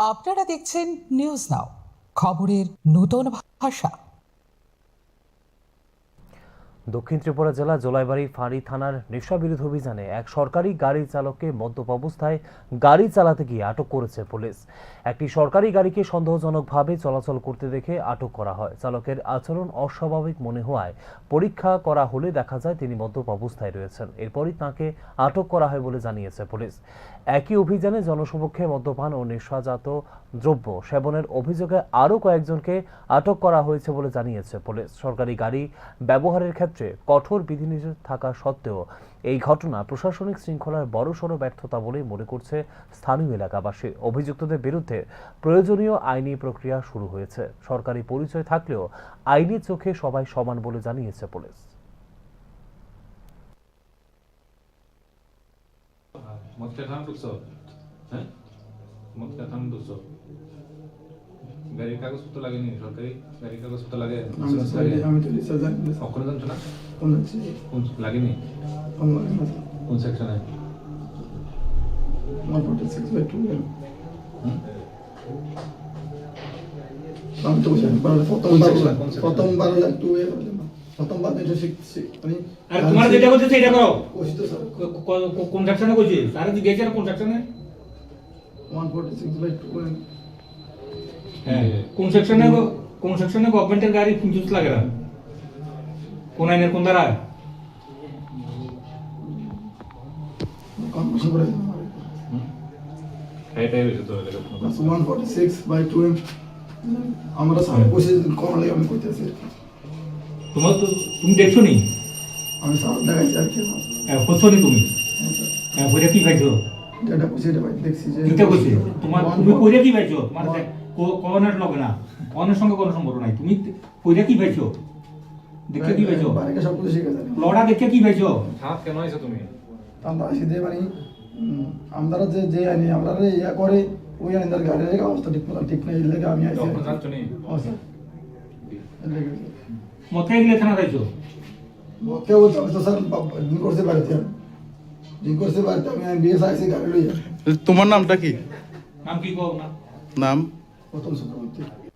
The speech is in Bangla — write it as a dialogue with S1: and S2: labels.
S1: আপনারা দেখছেন নিউজ নাও, খবরের নতুন ভাষা।
S2: দক্ষিণ ত্রিপুরা জেলা জোলাইবাড়ি ফাঁড়ি থানার নেশা বিরোধী অভিযানে এক সরকারি গাড়ি চালককে মদ্যপ অবস্থায় গাড়ি চালাতে গিয়ে আটক করেছে পুলিশ। একটি সরকারি গাড়িকে সন্দেহজনকভাবে চলাচল করতে দেখে আটক করা হয়। চালকের আচরণ অস্বাভাবিক মনে হওয়ায় পরীক্ষা করা হলে দেখা যায় তিনি মদ্যপ অবস্থায় রয়েছেন। এরপরই তাঁকে আটক করা হয় বলে জানিয়েছে পুলিশ। একই অভিযানে জনসমক্ষে মদ্যপান ও নেশাজাত দ্রব্য সেবনের অভিযোগে আরও কয়েকজনকে আটক করা হয়েছে বলে জানিয়েছে পুলিশ। সরকারি গাড়ি ব্যবহারের ক্ষেত্রে কঠোর বিধিনিষেধ থাকা সত্ত্বেও এই ঘটনা প্রশাসনিক শৃঙ্খলার বড়সড় ব্যর্থতা বলে মনে করছে স্থানীয় এলাকাবাসী। অভিযুক্তদের বিরুদ্ধে প্রয়োজনীয় আইনি প্রক্রিয়া শুরু হয়েছে। সরকারি পরিচয় থাকলেও আইনের চোখে সবাই সমান বলে জানিয়েছে পুলিশ।
S3: গাড়ির কাগজপত্র লাগেনি? সরকারি গাড়ির কাগজপত্র লাগে?
S4: আমি তো রিসার্চ জানি না।
S3: অক্ষরে জানছো না?
S4: কোন
S3: লাগেনি? কোন সেকশনে?
S4: 146/2 আমি তো জানি প্রথমবার লাগ 2 প্রথমবার এটা শিখছি আমি।
S5: আর তোমার যেটা করতে সেটা করো।
S4: কোশি তো স্যার
S5: কোন সেকশনে কইছি? আরে তুই গেছিস কোন সেকশনে?
S4: 146/2
S5: হ্যাঁ, কোন সেকশনে গভর্নমেন্টের গাড়ি ফিঞ্চুস লাগে না? কোন আইনের কোন ধারা?
S4: কনফার্মেশন করে
S3: এটাই হয়েছে তো।
S4: 146/2 আমরা স্যার কোশি কোন লাগে আমি কইতেছি।
S5: তোমার তো তুমি দেখছো নি?
S4: আমি স্যার দেখাইছি আর কি না।
S5: হচ্ছো নি তুমি? কইরা কি পাইছো?
S4: এটা কোশি এটা দেখছি যে
S5: এটা কইছি তুমি কইরা কি পাইছো? তোমার কোনের লগে না, কোনের সঙ্গে কোনো সম্পর্ক নাই। তুমি কইরা কি পাইছো? দেখে কি পাইছো?
S4: বাড়িতে সব কিছু শিখে জানি।
S5: লড়া দেখে কি পাইছো?
S3: হাত কেন আইছো তুমি?
S4: আমরা সিধে মানে আমরা যে আইনি আমরা ইয়া করে ওই আইনদার গাড়ির অবস্থা ঠিক না এর লাগে আমি আইছি।
S3: অক্ষরে জানছো নি?
S5: মতে গেলে থানা যাইছো?
S4: মতে ও তো স্যার দিন করতে পারতে আমি বিএস আইছি গাড়ি লইয়া।
S6: তোমার নামটা কি?
S5: নাম কি কও না?
S6: নাম
S4: প্রথম সূত্র